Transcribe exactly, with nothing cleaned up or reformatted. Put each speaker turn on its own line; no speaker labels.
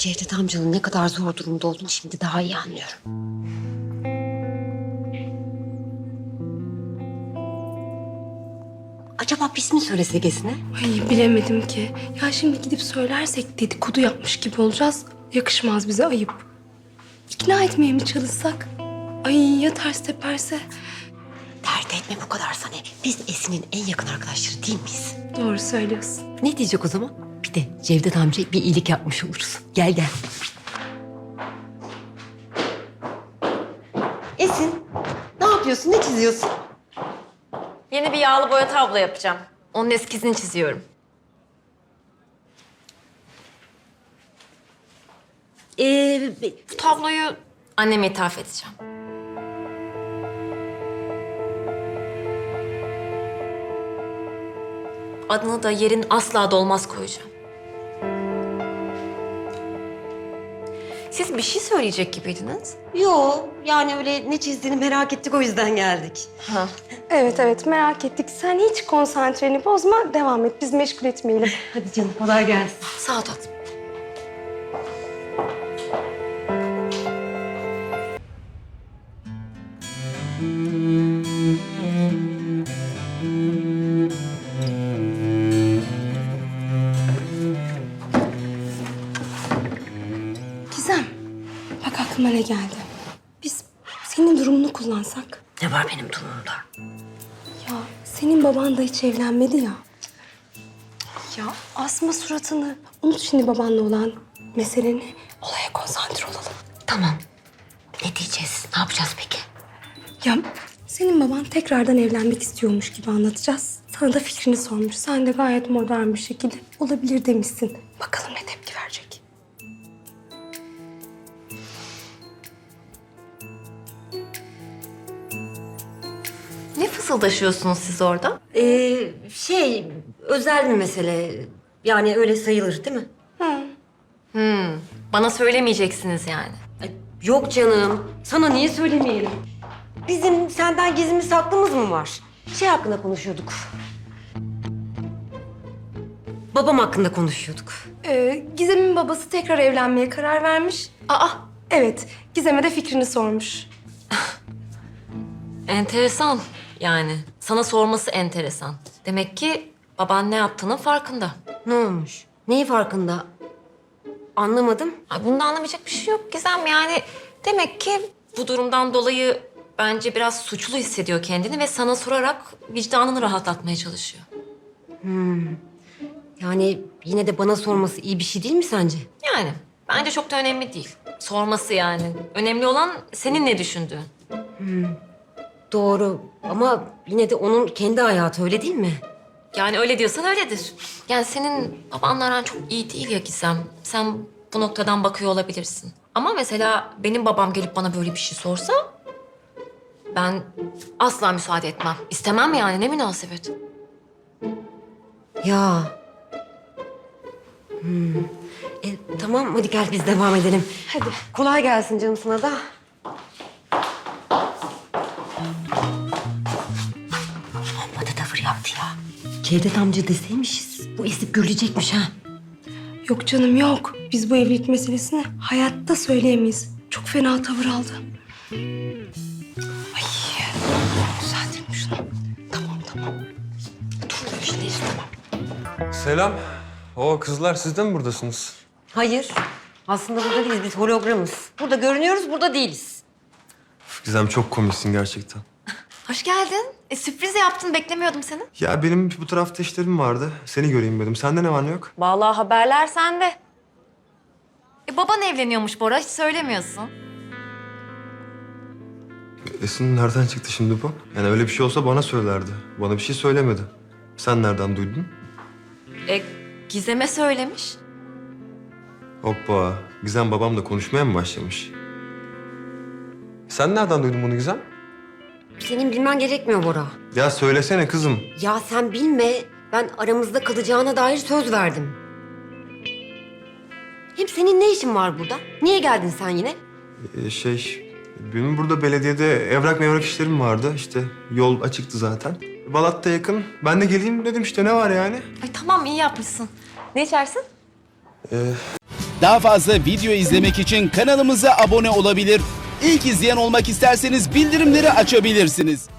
Cevdet amcanın ne kadar zor durumda olduğunu şimdi daha iyi anlıyorum. Acaba biz mi söylesek Esin'e?
Ay bilemedim ki. Ya şimdi gidip söylersek dedikodu yapmış gibi olacağız. Yakışmaz bize, ayıp. İkna etmeye mi çalışsak? Ay ya ters teperse?
Dert etme bu kadar Sanem. Biz Esin'in en yakın arkadaşları değil miyiz?
Doğru söylüyorsun.
Ne diyecek o zaman? Bir de Cevdet amcaya bir iyilik yapmış oluruz. Gel gel. Esin, ne yapıyorsun? Ne çiziyorsun?
Yeni bir yağlı boya tablo yapacağım. Onun eskizini çiziyorum.
Ee,
Bu tabloyu anneme ithaf edeceğim. Adını da yerin asla dolmaz koyacağım. Siz bir şey söyleyecek gibiydiniz.
yo, yani öyle ne çizdiğini merak ettik o yüzden geldik.
Ha.
Evet evet merak ettik. Sen hiç konsantreni bozma. Devam et. Biz meşgul etmeyelim.
Hadi canım, kolay gelsin.
Sağ ol tatlım.
Gizem. Bak aklıma ne geldi. Biz senin durumunu kullansak.
Ne var benim durumumda?
Ya senin baban da hiç evlenmedi ya. Ya asma suratını. Unut şimdi babanla olan meseleni. Olaya konsantre olalım.
Tamam. Ne diyeceğiz? Ne yapacağız peki?
Ya senin baban tekrardan evlenmek istiyormuş gibi anlatacağız. Sana da fikrini sormuş. Sen de gayet modern bir şekilde olabilir demişsin. Bakalım ne tepki verecek.
Ne fısıldaşıyorsunuz siz orada?
Ee, şey, özel bir mesele. Yani öyle sayılır değil mi?
Hmm, bana söylemeyeceksiniz yani.
Ay, yok canım. Sana niye söylemeyelim? Bizim senden gizlimiz saklımız mı var? Şey hakkında konuşuyorduk. Babam hakkında konuşuyorduk.
Ee, Gizem'in babası tekrar evlenmeye karar vermiş.
Aa,
Evet, Gizem'e de fikrini sormuş.
enteresan yani. Sana sorması enteresan. Demek ki baban ne yaptığının farkında.
Ne olmuş? Neyi farkında? Anlamadım.
Ay bunda anlamayacak bir şey yok Gizem yani. Demek ki bu durumdan dolayı bence biraz suçlu hissediyor kendini ve sana sorarak vicdanını rahatlatmaya çalışıyor.
Yani yine de bana sorması iyi bir şey değil mi sence?
Yani bence çok da önemli değil. Sorması yani. Önemli olan senin ne düşündüğün.
Doğru ama yine de onun kendi hayatı, öyle değil mi?
Yani öyle diyorsan öyledir. Yani senin babanla aran çok iyi değil ya Gizem. Sen bu noktadan bakıyor olabilirsin. Ama mesela benim babam gelip bana böyle bir şey sorsa... ben asla müsaade etmem. İstemem yani, ne münasebet.
Ya. Hmm. E, tamam hadi gel biz devam edelim.
Hadi.
Kolay gelsin canım sana da. Amma da tavır yaptı ya. Cevdet amca deseymişiz. Bu esip gürleyecekmiş ha.
Yok canım yok. Biz bu evlilik meselesini hayatta söyleyemeyiz. Çok fena tavır aldı. Ay, düzeltelim şunu. Tamam tamam.
Dur görüşürüz tamam.
Selam. O kızlar siz de mi buradasınız?
Hayır. Aslında burada değiliz. Biz hologramız. Burada görünüyoruz, burada değiliz.
Gizem çok komiksin gerçekten.
Hoş geldin. E, sürpriz yaptın, beklemiyordum seni.
Ya benim bu tarafta işlerim vardı. Seni göreyim dedim. Sende ne var ne yok?
Vallahi haberler sende. E, baban evleniyormuş Bora, hiç söylemiyorsun.
Esin nereden çıktı şimdi bu? Yani öyle bir şey olsa bana söylerdi. Bana bir şey söylemedi. Sen nereden duydun?
E, Gizem'e söylemiş.
Hoppa. Gizem babamla konuşmaya mı başlamış? Sen nereden duydun bunu Gizem?
Senin bilmen gerekmiyor Bora.
Ya söylesene kızım.
Ya sen bilme. Ben aramızda kalacağına dair söz verdim. Hem senin ne işin var burada? Niye geldin sen yine?
Ee, şey... Benim burada belediyede evrak mevrak işlerim vardı. İşte yol açıktı zaten. Balat'ta yakın. Ben de geleyim dedim işte ne var yani?
Ay tamam, iyi yapmışsın. Ne içersin?
Ee,
Daha fazla video izlemek için kanalımıza abone olabilir. İlk izleyen olmak isterseniz bildirimleri açabilirsiniz.